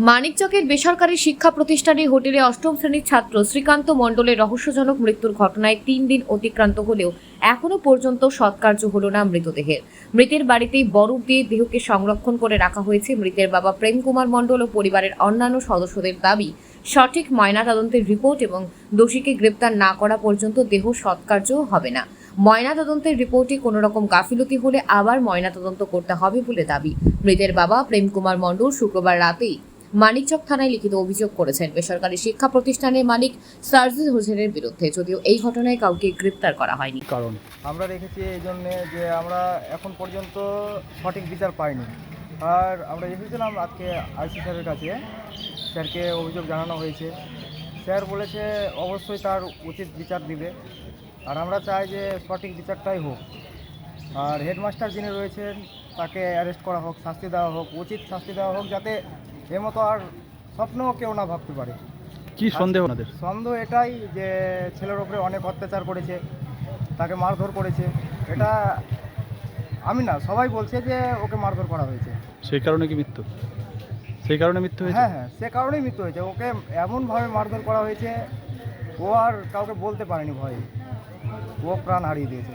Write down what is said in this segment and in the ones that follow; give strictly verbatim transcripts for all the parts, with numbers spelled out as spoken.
মানিকচকের বেসরকারি শিক্ষা প্রতিষ্ঠানে হোটেলে অষ্টম শ্রেণীর ছাত্র শ্রীকান্ত মণ্ডলের রহস্যজনক মৃত্যুর ঘটনায় তিন দিন অতিক্রান্ত হলেও এখনো পর্যন্ত সৎকার্য হল না মৃতদেহের। মৃতের বাড়িতেই বরফ দিয়ে দেহকে সংরক্ষণ করে রাখা হয়েছে। মৃতের বাবা প্রেম কুমার মণ্ডল ও পরিবারের অন্যান্য সদস্যদের দাবি, সঠিক ময়নাতদন্তের রিপোর্ট এবং দোষীকে গ্রেপ্তার না করা পর্যন্ত দেহ সৎকার্য হবে না। ময়নাতদন্তের রিপোর্টে কোনো রকম গাফিলতি হলে আবার ময়নাতদন্ত করতে হবে বলে দাবি। মৃতের বাবা প্রেম কুমার মণ্ডল শুক্রবার রাতেই মানিকচক থানায় লিখিত অভিযোগ করেছেন বেসরকারি শিক্ষা প্রতিষ্ঠানের মালিক সার্জিস হোসেনের বিরুদ্ধে, যদিও এই ঘটনায় কাউকে গ্রেপ্তার করা হয়নি। কারণ আমরা রেখেছি এই জন্যে যে আমরা এখন পর্যন্ত সঠিক বিচার পাইনি। আর আমরা এসেছিলাম আজকে আইসি স্যারের কাছে, স্যারকে অভিযোগ জানানো হয়েছে। স্যার বলেছে অবশ্যই তার উচিত বিচার দিবে, আর আমরা চাই যে সঠিক বিচারটাই হোক। আর হেডমাস্টার যিনি রয়েছেন তাকে অ্যারেস্ট করা হোক, শাস্তি দেওয়া হোক, উচিত শাস্তি দেওয়া হোক, যাতে এর মতো আর স্বপ্নও কেউ না ভাবতে পারে। কি সন্দেহ আপনাদের? সন্দেহ এটাই যে ছেলের ওপরে অনেক অত্যাচার করেছে, তাকে মারধর করেছে। এটা আমি না, সবাই বলছে যে ওকে মারধর করা হয়েছে। সেই কারণে কি মৃত্যু? সেই কারণে মৃত্যু হয়েছে? হ্যাঁ হ্যাঁ, সে কারণেই মৃত্যু হয়েছে। ওকে এমনভাবে মারধর করা হয়েছে, ও আর কাউকে বলতে পারেনি ভয়ে, ও প্রাণ হারিয়ে দিয়েছে।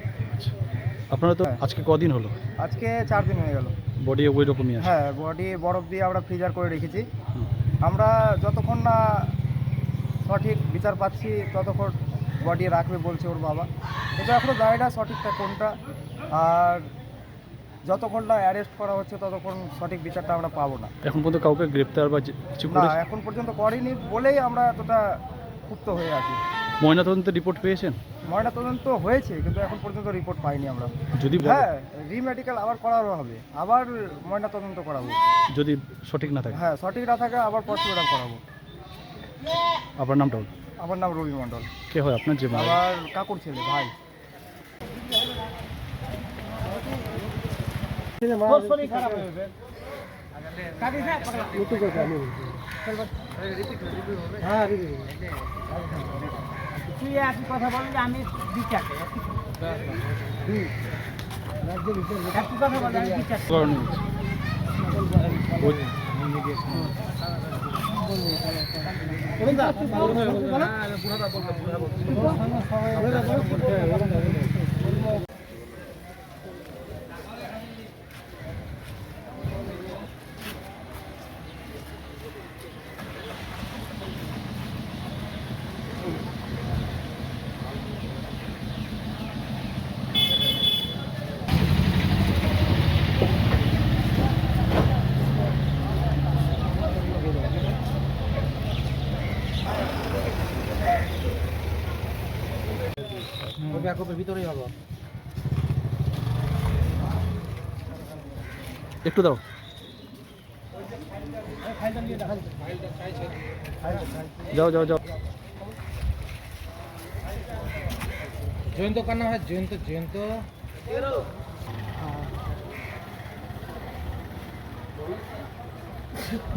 আপনারা তো হ্যাঁ। আজকে কদিন হলো? আজকে চার দিন হয়ে গেল। বডি ওই রকমই আছে? হ্যাঁ, বডি বরফ দিয়ে আমরা ফ্রিজার করে রেখেছি। হুম। আমরা যতক্ষণ না সঠিক বিচার পাচ্ছি ততক্ষণ বডি রাখবে বলছে ওর বাবা। এটা এখনও জানি না সঠিকটা কোনটা। আর যতক্ষণ না অ্যারেস্ট করা হচ্ছে ততক্ষণ সঠিক বিচারটা আমরা পাবো না। এখন পর্যন্ত কাউকে গ্রেপ্তার বা যে- কিছু না, করেছে? এখন পর্যন্ত করেনি বলেই আমরা এতটা ক্ষুব্ধ হয়ে আছি। ময়নাতদন্তের রিপোর্ট পেয়েছেন? ময়নাতদন্ত হয়েছে কিন্তু এখন পর্যন্ত রিপোর্ট পাইনি আমরা। যদি বলে- হ্যাঁ, রিমেডিকেল আবার করানো হবে, আবার ময়নাতদন্ত করাবো। যদি সঠিক না থাকে? হ্যাঁ, সঠিক না থাকে আবার পোস্টমর্টম করাবো। আপনার নামটা বলুন। আমার নাম রবি মণ্ডল। কে হয় আপনার? যে মারা- আমার কাকুর ছেলে, ভাই। তুই একই কথা বল যে আমি বিচার একই কথা বল আমি বিচার কারণে হয়েছে। ওই- ভিতরেই হবো। একটু দাও। যাও যাও যাও। জয়ন্ত কান্না হয় জয়ন্ত জয়ন্ত